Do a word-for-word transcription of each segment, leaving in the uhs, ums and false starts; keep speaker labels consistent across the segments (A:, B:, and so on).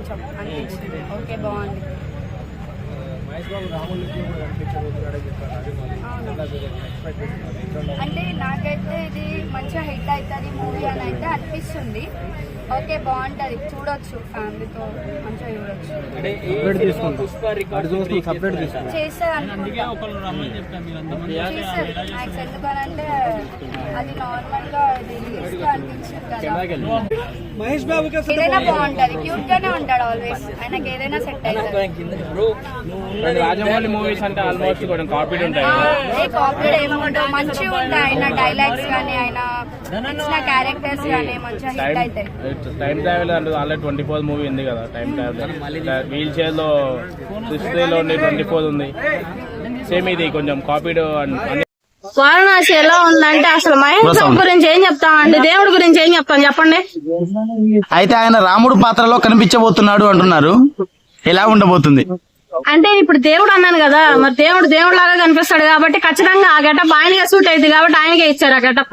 A: కొంచెం అనిపించింది. ఓకే బాగుంది. అంటే నాకైతే ఇది మంచిగా హిట్ అవుతుంది మూవీ అని అయితే అనిపిస్తుంది. ఓకే బాగుంటది, చూడొచ్చు, ఫ్యామిలీతో మంచిగా చూడొచ్చు. చేస్తారు ఎందుకనంటే అది నార్మల్ గా రిలీజ్ గా అనిపించింది కదా. ఏదైనా బాగుంటది, క్యూట్ గానే ఉంటాడు ఆల్వేస్, ఆయనకి ఏదైనా సెట్ అవుతుంది.
B: రాజమౌళి మూవీస్ అంటే ఆల్మోస్ట్ కొంచెం కాపీ ఉంటాయి,
A: కాపీ ఏముంటావు, మంచిగా ఉంటాయి ఆయన డైలాగ్స్ కానీ ఆయన ఇచ్చిన క్యారెక్టర్స్ కానీ మంచిగా హిట్ అవుతాయి.
B: టైం ట్రావెల్ అంటే ఆల్రెడీ ట్వంటీ ఫోర్ మూవీ ఉంది కదా, టైం ట్రావెల్ వీల్ చైర్ లో సిక్స్టీలో ఉంది, ట్వంటీ ఫోర్ ఉంది, సేమ్ ఇది కొంచెం కాపీడ్.
C: వారణాసి ఎలా ఉందంటే అసలు మహేష్ బాబు గురించి ఏం చెప్తామండి, దేవుడి గురించి ఏం చెప్తాం చెప్పండి.
D: అయితే ఆయన రాముడు పాత్రలో కనిపించబోతున్నాడు అంటున్నారు, ఎలా ఉండబోతుంది
C: అంటే ఇప్పుడు దేవుడు అన్నాను కదా, మరి దేవుడు దేవుడు లాగా కనిపిస్తాడు కాబట్టి ఖచ్చితంగా ఆ గెటప్ ఆయనకే సూట్ అయింది కాబట్టి ఆయనకే ఇచ్చారు ఆ గెటప్.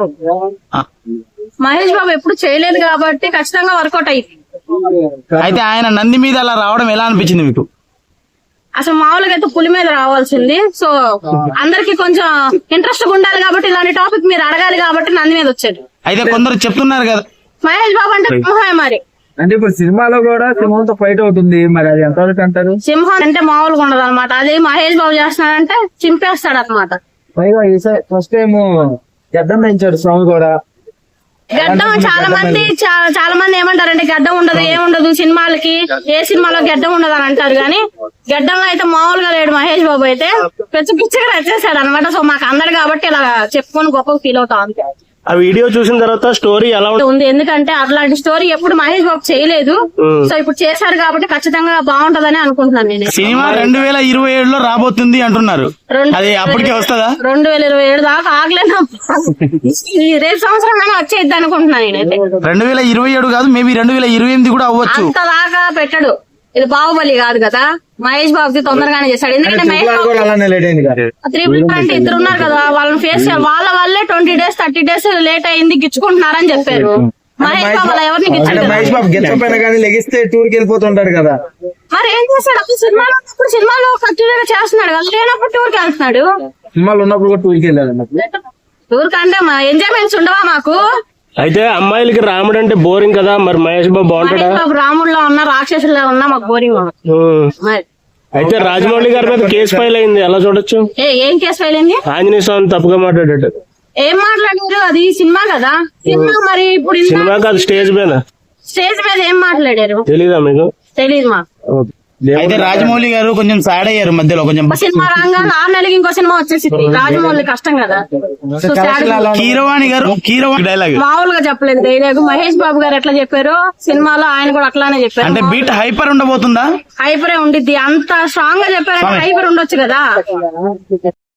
C: మహేష్ బాబు ఎప్పుడు చేయలేదు కాబట్టి ఖచ్చితంగా వర్కౌట్ అయింది.
D: అయితే ఆయన నంది మీద అలా రావడం ఎలా అనిపించింది మీకు?
C: అసలు మామూలుగా అయితే పులి మీద రావాల్సింది, సో అందరికి కొంచెం ఇంట్రెస్ట్ ఉండాలి కాబట్టి ఇలాంటి టాపిక్ మీరు అడగాలి కాబట్టి నంది మీద వచ్చాడు.
D: అయితే కొందరు చెప్తున్నారు కదా
C: మహేష్ బాబు అంటే సింహమే, మరి
E: అంటే ఇప్పుడు సినిమాలో కూడా సింహంతో ఫైట్ అవుతుంది, మరి అది ఎంతవరకు అంటారు?
C: సింహం అంటే మామూలుగా ఉండదు అనమాట, అదే మహేష్ బాబు చేస్తున్నాడంటే చింపేస్తాడు అనమాట.
E: పైగా ఫస్ట్ టైం గడ్డం పెంచాడు స్వామి కూడా.
C: గడ్డం చాలా మంది చాలా మంది ఏమంటారంటే గడ్డం ఉండదు ఏముండదు సినిమాలకి, ఏ సినిమాలో గడ్డం ఉండదు అని అంటారు, కానీ గడ్డంలో అయితే మామూలుగా లేడు మహేష్ బాబు, అయితే పిచ్చి పిచ్చిగా వచ్చేసాడు అనమాట. సో మాకు అందరు కాబట్టి ఇలా చెప్పుకొని గొప్పగా ఫీల్ అవుతాం అంతే.
F: ఆ వీడియో చూసిన తర్వాత స్టోరీ ఎలా
C: ఉంది, ఎందుకంటే అట్లాంటి స్టోరీ ఎప్పుడు మహేష్ బాబు చేయలేదు, సో ఇప్పుడు చేశారు కాబట్టి ఖచ్చితంగా బాగుంటదని అనుకుంటున్నాను నేను.
D: సినిమా రెండు వేల ఇరవై ఏడులో రాబోతుంది అంటున్నారు, అది అప్పటికే వస్తుందా?
C: రెండు వేల ఇరవై ఏడు దాకా ఆగలేదు, ఈ రేపు సంవత్సరం కానీ వచ్చేద్ది అనుకుంటున్నాను నేనైతే.
D: రెండు వేల ఇరవై ఏడు కాదు, మేబీ రెండు వేల ఇరవై ఎనిమిది కూడా అవ్వచ్చు.
C: అంత దాకా పెట్టడు, ఇది బాహుబలి కాదు కదా, మహేష్ బాబుకి తొందరగానే చేశాడు. ఎందుకంటే మహేష్ బాబు త్రిపుల్ అంటే ఇద్దరు ఉన్నారు కదా, వాళ్ళని ఫేస్ చేయాలి, వాళ్ళ వల్లే twenty days thirty days late అయింది గిచ్చుకుంటున్నారని చెప్పారు. మహేష్ బాబు అలా ఎవరిని
E: లెగిస్తే టూర్ కి వెళ్ళిపోతుంటాడు కదా,
C: మరి ఏం చేస్తాడు? అప్పుడు సినిమాలో ఇప్పుడు సినిమాలో కంటిన్యూగా చేస్తున్నాడు కదా, లేనప్పుడు టూర్ కి వెళ్తున్నాడు.
E: సినిమాలు ఉన్నప్పుడు కూడా టూర్ కి వెళ్ళాలి,
C: టూర్ కంటే ఎంజాయ్మెంట్స్ ఉండవా మాకు?
F: అయితే అమ్మాయిలకి రాముడు అంటే బోరింగ్ కదా, మరి మహేష్ బాబు బాగుంటాడా?
C: రాముడిలో ఉన్నా రాక్షసుల్లో ఉన్నా మాకు బోరింగ్.
F: అయితే రాజమౌళి గారి మీద కేసు ఫైల్ అయింది, ఎలా చూడొచ్చు?
C: ఏం కేసు ఫైల్ అయింది?
F: ఆంజనేయ స్వామి తప్పుగా మాట్లాడాడు.
C: ఏం మాట్లాడారు? అది సినిమా కదా, సినిమా మరి ఇప్పుడు
F: సినిమా కాదు, స్టేజ్ మీద
C: స్టేజ్ మీద ఏం మాట్లాడారు
F: తెలీదా మీకు?
C: తెలీదు మాకు.
D: అయితే రాజమౌళి గారు కొంచెం సాడ్ అయ్యారు మధ్యలో, కొంచెం
C: సినిమా రాగానే ఆరు నెలలకి ఇంకో సినిమా వచ్చేసింది, రాజమౌళి కష్టం కదా.
D: కీరవాణి గారు కీరవాణి డైలాగ్
C: మామూలుగా చెప్పలేదు డైలాగ్, మహేష్ బాబు గారు ఎట్లా చెప్పారు సినిమాలో ఆయన కూడా అట్లానే చెప్పారు.
D: అంటే బీట్ హైపర్ ఉండబోతుందా?
C: హైపరే ఉండిద్ది, అంత స్ట్రాంగ్ గా చెప్పారంటే హైపర్ ఉండొచ్చు కదా.